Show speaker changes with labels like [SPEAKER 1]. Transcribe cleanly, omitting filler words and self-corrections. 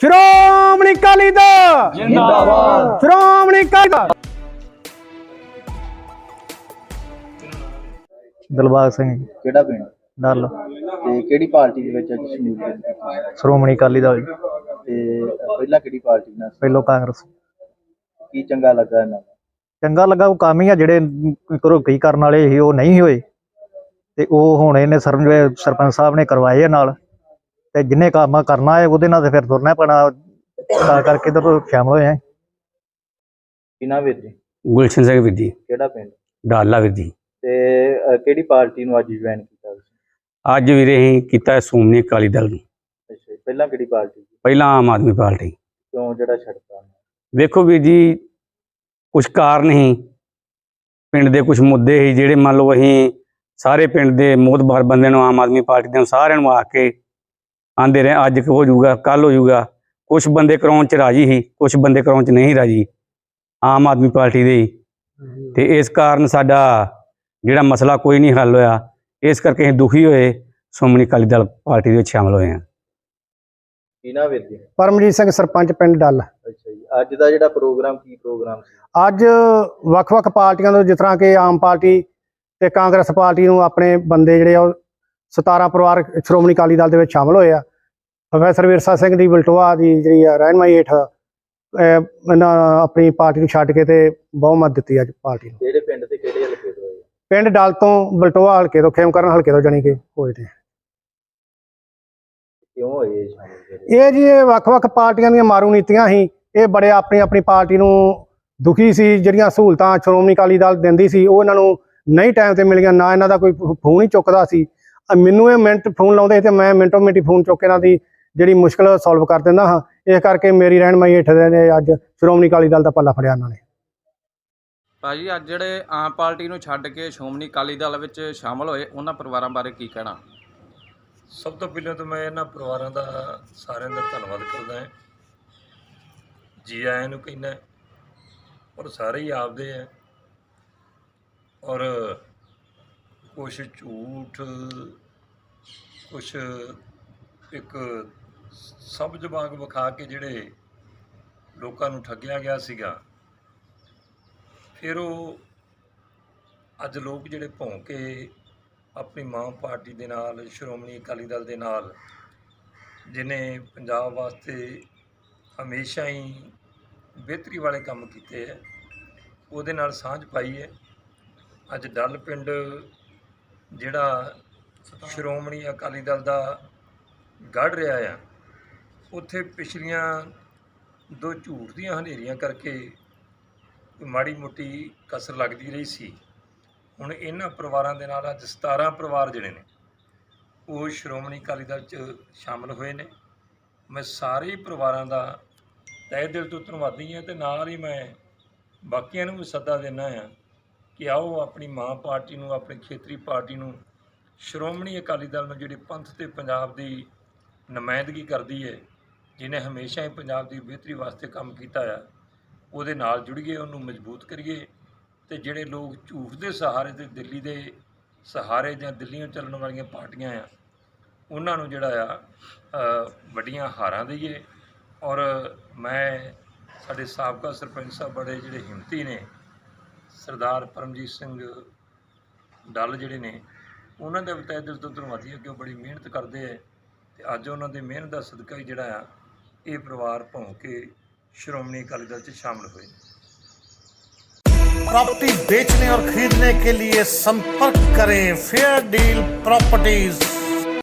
[SPEAKER 1] ਸ਼੍ਰੋਮਣੀ ਅਕਾਲੀ ਦਲ
[SPEAKER 2] ਜਿੰਦਾਬਾਦ।
[SPEAKER 1] ਸ਼੍ਰੋਮਣੀ ਅਕਾਲੀ ਦਲ।
[SPEAKER 3] ਦਿਲਬਾਗ ਸਿੰਘ ਜੀ,
[SPEAKER 2] ਕਿਹੜਾ ਪਿੰਡ
[SPEAKER 3] ਡੱਲ।
[SPEAKER 2] ਤੇ ਕਿਹੜੀ ਪਾਰਟੀ ਦੇ ਵਿੱਚ ਅੱਜ ਸ਼ਮੂਲੀਅਤ ਕੀਤੀ?
[SPEAKER 3] ਸ਼੍ਰੋਮਣੀ ਅਕਾਲੀ ਦਲ ਜੀ।
[SPEAKER 2] ਤੇ ਪਹਿਲਾਂ ਕਿਹੜੀ ਪਾਰਟੀ ਨਾਲ ਸੀ?
[SPEAKER 3] ਪਹਿਲੋਂ ਕਾਂਗਰਸ।
[SPEAKER 2] ਕੀ ਚੰਗਾ ਲੱਗਾ ਇਹਨਾਂ ਦਾ?
[SPEAKER 3] ਚੰਗਾ ਲੱਗਾ, ਉਹ ਕੰਮ ਹੀ ਆ ਜਿਹੜੇ ਕਰੋ ਕੀ ਕਰਨ ਵਾਲੇ ਸੀ ਉਹ ਨਹੀਂ ਹੋਏ, ਤੇ ਉਹ ਹੁਣ ਇਹਨੇ ਸਰਪੰਚ ਸਾਹਿਬ ਨੇ ਕਰਵਾਏ ਆ ਨਾਲ, ਤੇ ਜਿੰਨੇ ਕੰਮ ਕਰਨਾ ਹੈ ਉਹਦੇ ਨਾਲ ਤੇ ਫਿਰ ਤੁਰਨਾ ਪੈਣਾ, ਤਾਂ ਕਰਕੇ ਇੱਧਰ ਸ਼ਾਮਲ ਹੋਏ ਆ।
[SPEAKER 2] ਕਿਹਨਾਂ ਵੀਰ ਜੀ?
[SPEAKER 4] ਗੁਲਸ਼ਨ ਸਿੰਘ ਵੀਰ ਜੀ,
[SPEAKER 2] ਕਿਹੜਾ ਪਿੰਡ?
[SPEAKER 4] ਡਾਲਾ ਵੀਰ ਜੀ।
[SPEAKER 2] ਤੇ ਕਿਹੜੀ ਪਾਰਟੀ ਨੂੰ ਅੱਜ ਜੁਆਇਨ ਕੀਤਾ ਤੁਸੀਂ?
[SPEAKER 4] ਅੱਜ ਵੀਰੇ ਅਸੀਂ ਕੀਤਾ ਸ਼੍ਰੋਮਣੀ ਅਕਾਲੀ ਦਲ ਨੂੰ।
[SPEAKER 2] ਅੱਛਾ ਜੀ, ਪਹਿਲਾਂ ਕਿਹੜੀ ਪਾਰਟੀ ਸੀ?
[SPEAKER 4] ਪਹਿਲਾਂ ਆਮ ਆਦਮੀ ਪਾਰਟੀ।
[SPEAKER 2] ਕਿਉਂ ਜਿਹੜਾ ਛੱਡਤਾ?
[SPEAKER 4] ਵੇਖੋ ਵੀਰ ਜੀ, ਕੁਛ ਕਾਰਨ ਸੀ, ਪਿੰਡ ਦੇ ਕੁਛ ਮੁੱਦੇ ਸੀ ਜਿਹੜੇ ਮੰਨ ਲਓ ਅਸੀਂ ਸਾਰੇ ਪਿੰਡ ਦੇ ਮੋਹਤਬਾਰ ਬੰਦਿਆਂ ਨੂੰ, ਆਮ ਆਦਮੀ ਪਾਰਟੀ ਦੇ ਸਾਰਿਆਂ ਨੂੰ ਆ ਕੇ ਆਂਦੇ ਰਹੇ ਅੱਜ ਹੋ ਜਾਊਗਾ ਕੱਲ ਹੋ ਜਾਊਗਾ। ਕੁਛ ਬੰਦੇ ਕਰਾਉਣ 'ਚ ਰਾਜੀ ਸੀ, ਕੁਛ ਬੰਦੇ ਕਰਾਉਣ 'ਚ ਨਹੀਂ ਰਾਜੀ ਆਮ ਆਦਮੀ ਪਾਰਟੀ ਦੇ ਹੀ, ਤੇ ਇਸ ਕਾਰਨ ਸਾਡਾ ਜਿਹੜਾ ਮਸਲਾ ਕੋਈ ਨਹੀਂ ਹੱਲ ਹੋਇਆ। ਇਸ ਕਰਕੇ ਅਸੀਂ ਦੁਖੀ ਹੋਏ, ਸ਼੍ਰੋਮਣੀ ਅਕਾਲੀ ਦਲ ਪਾਰਟੀ ਦੇ ਵਿੱਚ ਸ਼ਾਮਲ ਹੋਏ ਹਾਂ।
[SPEAKER 2] ਕਿਹਨਾਂ ਵੀਰ ਜੀ?
[SPEAKER 1] ਪਰਮਜੀਤ ਸਿੰਘ, ਸਰਪੰਚ ਪਿੰਡ ਡੱਲ।
[SPEAKER 2] ਅੱਛਾ ਜੀ, ਅੱਜ ਦਾ ਜਿਹੜਾ ਪ੍ਰੋਗਰਾਮ ਕੀ ਪ੍ਰੋਗਰਾਮ ਸੀ?
[SPEAKER 1] ਅੱਜ ਵੱਖ-ਵੱਖ ਪਾਰਟੀਆਂ ਤੋਂ, ਜਿਸ ਤਰ੍ਹਾਂ ਕਿ ਆਮ ਪਾਰਟੀ ਤੇ ਕਾਂਗਰਸ ਪਾਰਟੀ ਨੂੰ ਆਪਣੇ ਬੰਦੇ ਜਿਹੜੇ ਆ ਉਹ 17 ਪਰਿਵਾਰ ਸ਼੍ਰੋਮਣੀ ਅਕਾਲੀ ਦਲ ਦੇ ਵਿੱਚ ਸ਼ਾਮਲ ਹੋਏ ਆ। ਪ੍ਰੋਫੈਸਰ ਵਿਰਸਾ ਸਿੰਘ ਦੀ ਬਲਟੋਆ ਦੀ ਜਿਹੜੀ ਆ ਰਹਿਨਮਾਈ ਹੇਠ ਇਹਨਾਂ ਆਪਣੀ ਪਾਰਟੀ ਨੂੰ ਛੱਡ ਕੇ ਤੇ ਬਹੁਮਤ ਦਿੱਤੀ ਅੱਜ ਪਾਰਟੀ ਨੂੰ।
[SPEAKER 2] ਕਿਹੜੇ ਪਿੰਡ ਤੇ ਕਿਹੜੇ ਹਲਕੇ ਤੋਂ ਹੋਏ?
[SPEAKER 1] ਪਿੰਡ ਡੱਲ ਤੋਂ, ਬਲਟੋਆ ਹਲਕੇ ਤੋਂ, ਖੇਮਕਰਨ ਹਲਕੇ ਤੋਂ ਜਾਣੀ ਕਿ ਹੋਏ ਨੇ।
[SPEAKER 2] ਕਿਉਂ ਹੋਏ ਇਹ ਸ਼ਾਮਲ?
[SPEAKER 1] ਇਹ ਜੀ ਇਹ ਵੱਖ-ਵੱਖ ਪਾਰਟੀਆਂ ਦੀਆਂ ਮਾਰੂ ਨੀਤੀਆਂ ਸੀ। ਇਹ ਬੜੇ ਆਪਣੀ ਪਾਰਟੀ ਨੂੰ ਦੁਖੀ ਸੀ, ਜਿਹੜੀਆਂ ਸਹੂਲਤਾਂ ਸ਼੍ਰੋਮਣੀ ਅਕਾਲੀ ਦਲ ਦਿੰਦੀ ਸੀ ਉਹ ਇਹਨਾਂ ਨੂੰ ਨਹੀਂ ਟਾਈਮ ਤੇ ਮਿਲੀਆਂ, ਨਾ ਇਹਨਾਂ ਦਾ ਕੋਈ ਫੋਨ ਹੀ ਚੁੱਕਦਾ ਸੀ। ਮੈਨੂੰ ਇਹ ਮਿੰਟ ਫੋਨ ਲਾਉਂਦੇ ਸੀ ਤੇ ਮੈਂ ਮਿੰਟੋ ਮਿੰਟੀ ਫੋਨ ਚੁੱਕ ਕੇ ਇਹਨਾਂ ਦੀ ਜਿਹੜੀ ਮੁਸ਼ਕਲ ਸੋਲਵ ਕਰ ਦਿੰਦਾ ਹਾਂ। ਇਸ ਕਰਕੇ ਮੇਰੀ ਰਹਿਨਮਾਈ ਹੇਠ ਨੇ ਅੱਜ ਸ਼੍ਰੋਮਣੀ ਅਕਾਲੀ ਦਲ ਦਾ ਪੱਲਾ ਫੜਿਆ ਇਹਨਾਂ ਨੇ।
[SPEAKER 5] ਭਾਜੀ, ਅੱਜ ਜਿਹੜੇ ਆਮ ਪਾਰਟੀ ਨੂੰ ਛੱਡ ਕੇ ਸ਼੍ਰੋਮਣੀ ਅਕਾਲੀ ਦਲ ਵਿੱਚ ਸ਼ਾਮਲ ਹੋਏ ਉਹਨਾਂ ਪਰਿਵਾਰਾਂ ਬਾਰੇ ਕੀ ਕਹਿਣਾ?
[SPEAKER 6] ਸਭ ਤੋਂ ਪਹਿਲਾਂ ਤਾਂ ਮੈਂ ਇਹਨਾਂ ਪਰਿਵਾਰਾਂ ਦਾ ਸਾਰਿਆਂ ਦਾ ਧੰਨਵਾਦ ਕਰਦਾ ਹਾਂ। ਜੀ ਆਇਆਂ ਨੂੰ ਕਹਿੰਦਾ, ਔਰ ਸਾਰੇ ਹੀ ਆਪਦੇ ਹੈ, ਔਰ ਕੁਛ ਝੂਠ, ਕੁਛ ਇੱਕ ਸਬਜ਼ ਵਾਂਗ ਵਿਖਾ ਕੇ ਜਿਹੜੇ ਲੋਕਾਂ ਨੂੰ ਠੱਗਿਆ ਗਿਆ ਸੀਗਾ, ਫਿਰ ਉਹ ਅੱਜ ਲੋਕ ਜਿਹੜੇ ਭੌਂ ਕੇ ਆਪਣੀ ਮਾਂ ਪਾਰਟੀ ਦੇ ਨਾਲ, ਸ਼੍ਰੋਮਣੀ ਅਕਾਲੀ ਦਲ ਦੇ ਨਾਲ, ਜਿਹਨੇ ਪੰਜਾਬ ਵਾਸਤੇ ਹਮੇਸ਼ਾ ਹੀ ਬਿਹਤਰੀ ਵਾਲੇ ਕੰਮ ਕੀਤੇ ਹੈ, ਉਹਦੇ ਨਾਲ ਸਾਂਝ ਪਾਈ ਹੈ। ਅੱਜ ਡੱਲ ਪਿੰਡ ਜਿਹੜਾ ਸ਼੍ਰੋਮਣੀ ਅਕਾਲੀ ਦਲ ਦਾ ਗੜ੍ਹ ਰਿਹਾ ਆ, ਉੱਥੇ ਪਿਛਲੀਆਂ ਦੋ ਝੂਠ ਦੀਆਂ ਹਨੇਰੀਆਂ ਕਰਕੇ ਮਾੜੀ ਮੋਟੀ ਕਸਰ ਲੱਗਦੀ ਰਹੀ ਸੀ। ਹੁਣ ਇਹਨਾਂ ਪਰਿਵਾਰਾਂ ਦੇ ਨਾਲ ਅੱਜ 17 ਪਰਿਵਾਰ ਜਿਹੜੇ ਨੇ ਉਹ ਸ਼੍ਰੋਮਣੀ ਅਕਾਲੀ ਦਲ 'ਚ ਸ਼ਾਮਲ ਹੋਏ ਨੇ। ਮੈਂ ਸਾਰੇ ਪਰਿਵਾਰਾਂ ਦਾ ਤਹਿ ਦਿਲ ਤੋਂ ਧੰਨਵਾਦੀ ਹਾਂ, ਅਤੇ ਨਾਲ ਹੀ ਮੈਂ ਬਾਕੀਆਂ ਨੂੰ ਵੀ ਸੱਦਾ ਦਿੰਦਾ ਹਾਂ ਕਿ ਆਓ ਆਪਣੀ ਮਾਂ ਪਾਰਟੀ ਨੂੰ, ਆਪਣੀ ਖੇਤਰੀ ਪਾਰਟੀ ਨੂੰ, ਸ਼੍ਰੋਮਣੀ ਅਕਾਲੀ ਦਲ ਨੂੰ ਜਿਹੜੀ ਪੰਥ ਤੇ ਪੰਜਾਬ ਦੀ ਨੁਮਾਇੰਦਗੀ ਕਰਦੀ ਹੈ, ਜਿਹਨੇ ਹਮੇਸ਼ਾ ਹੀ ਪੰਜਾਬ ਦੀ ਬਿਹਤਰੀ ਵਾਸਤੇ ਕੰਮ ਕੀਤਾ ਆ, ਉਹਦੇ ਨਾਲ ਜੁੜੀਏ, ਉਹਨੂੰ ਮਜ਼ਬੂਤ ਕਰੀਏ। ਤੇ ਜਿਹੜੇ ਲੋਕ ਝੂਠ ਦੇ ਸਹਾਰੇ ਤੇ ਦਿੱਲੀ ਦੇ ਸਹਾਰੇ ਜਾਂ ਦਿੱਲੀੋਂ ਚੱਲਣ ਵਾਲੀਆਂ ਪਾਰਟੀਆਂ ਆ, ਉਹਨਾਂ ਨੂੰ ਜਿਹੜਾ ਆ ਵੱਡੀਆਂ ਹਾਰਾਂ ਦਈਏ। ਔਰ ਮੈਂ ਸਾਡੇ ਸਾਬਕਾ ਸਰਪੰਚ ਸਾਹਿਬ ਬੜੇ ਜਿਹੜੇ ਹਿੰਮਤੀ ਨੇ, ਸਰਦਾਰ ਪਰਮਜੀਤ ਸਿੰਘ ਡੱਲ ਜਿਹੜੇ ਨੇ, ਉਹਨਾਂ ਦਾ ਵੀ ਤਹਿ ਦਿਲ ਤੋਂ ਧੰਨਵਾਦੀ ਹੈ ਕਿ ਉਹ ਬੜੀ ਮਿਹਨਤ ਕਰਦੇ ਹੈ, ਅਤੇ ਅੱਜ ਉਹਨਾਂ ਦੀ ਮਿਹਨਤ ਦਾ ਸਦਕਾ ਹੀ ਜਿਹੜਾ ਆ ਇਹ ਪਰਿਵਾਰ ਭੌਂ ਕੇ श्रोमणी अकाली दल से शामिल हुए।
[SPEAKER 7] प्रॉपर्टी बेचने और खरीदने के लिए संपर्क करें फेयर डील प्रॉपर्टीज।